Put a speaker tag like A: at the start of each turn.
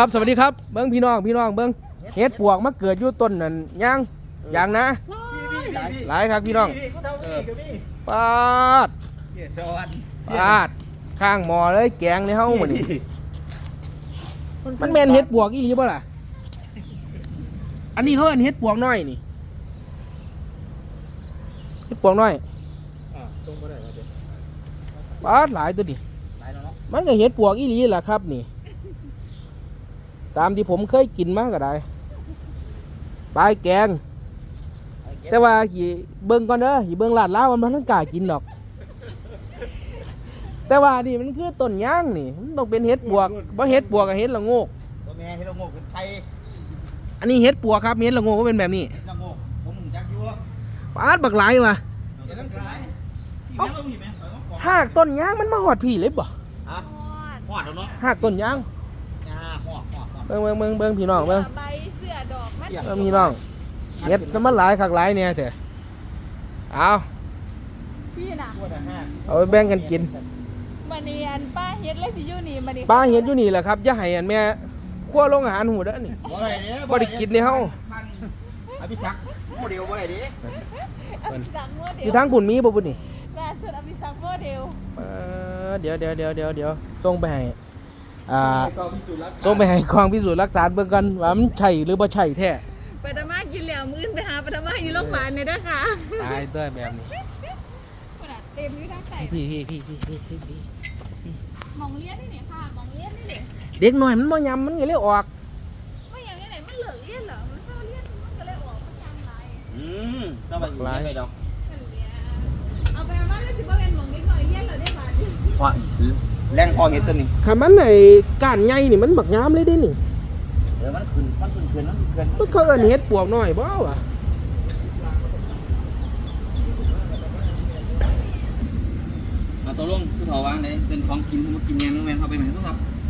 A: ครับสวัสดีครับเบิ้งพี่น้องเบิ้งเฮ็ดปวกมาเกิดอยู่ต้นนั่นอย่างนะหลายครับพี่น้องปาดข้างหมอเลยแกงในเฮ้าหมดนี่มันแม่นเฮ็ดปวกอีหลีบ่ล่ะอันนี้เขาเอิ้นเฮ็ดปวกน้อยนี่เฮ็ดปวกน้อยปาดหลายตัวดิมันก็เฮ็ดปวกอีหลีล่ะครับนี่ตามที่ผมเคยกินมาก็ได้ปลายแกงแต่ว่าเบิ่งก่อนเด้อเบิ่งลาดล้าวมันบ่กล้ากินดอกแต่ว่านี่มันคือต้นย่างนี่มันต้องเป็นเห็ดปวกบ่เห็ดปวกกับเห็ดละโงก
B: ตัวแม่เห็ดละโงกเป็นไทย
A: อันนี้เห็ดปวกครับเห็ดละโงกก็เป็นแบบนี้
B: เห็ดละโงกผมจักยั่ว
A: ปาดบักหลายว่ะหากต้นย่างมันมาหอดพี่เลยบ่
B: หอดแล้วเนาะ
A: หากต้นย่างเบิ่งพี่น้องเบิ่ง
C: ใบเสื้อดอกมัน
A: พี่น้องเห็ดจะมันหลายคักหลายเนี่ยเถอะเอา
C: พี่น่ะ
A: เอาไปแบ่งกันกิน
C: มันนี่อันป้าเฮ็ดเลยสิอยู่นี่มันนี่
A: ป้าเฮ็ดอยู่นี่แหละครับอย่าให้อันแม่คั่วลงอาหารหูเด้อนี่บ่ได้กินในเฮา
B: อภิศักดิ์โมเดลบ่ได้ดิ
C: อภิศักดิ์โมเดล
A: อยู่ทางปุ่นมีบ่ปุ่นนี่
C: ล่าสุดอภิศักดิ์โมเดล
A: เดี๋ยวส่งไปให้ส่งไปให้กองพิสูจน์หลักฐานเบิ่งกันว่ามันใช่หรือบ่ใช่แท้
C: ไปตะมากินแล้วมื้อไปหาไปตะมาอยู่โรงพยาบาลนี่เด้อค่ะ
A: ตายเด้อแบบนี้
C: เต็มอยู่ทางใต้
A: พี่
C: มองเลี้ยนนี่ค่ะมองเลี้ยนนี่
A: เด็กน้อยมันบ่ยำมันก็เลยออก
C: บ่ยำนี่ไหนมันเหลือเลี้ยนเหรอมันเข้าเลี้ยนมันก็เลยออกมันยำหลาย
B: ต้องไปอยู่ได้ดอก
C: เอาไปมาแล้วสิบ่แม่นมองเด็กน้อยเลี้ยนเหรอได้บาดนี้
B: พอแรงพอเห็ดตัวนี้
A: คันมันไอ้ก้านใหญ่นี่มันบักยามเลยเด้นี่
B: มันขึ้น
A: มันเขาเอิ้นเฮ็ดปวกน้อยบ่วะ
B: ตัวลงคือเขาวางได้เป็นของกินมากินแมงแมงเข้าไปไหมทุกครับ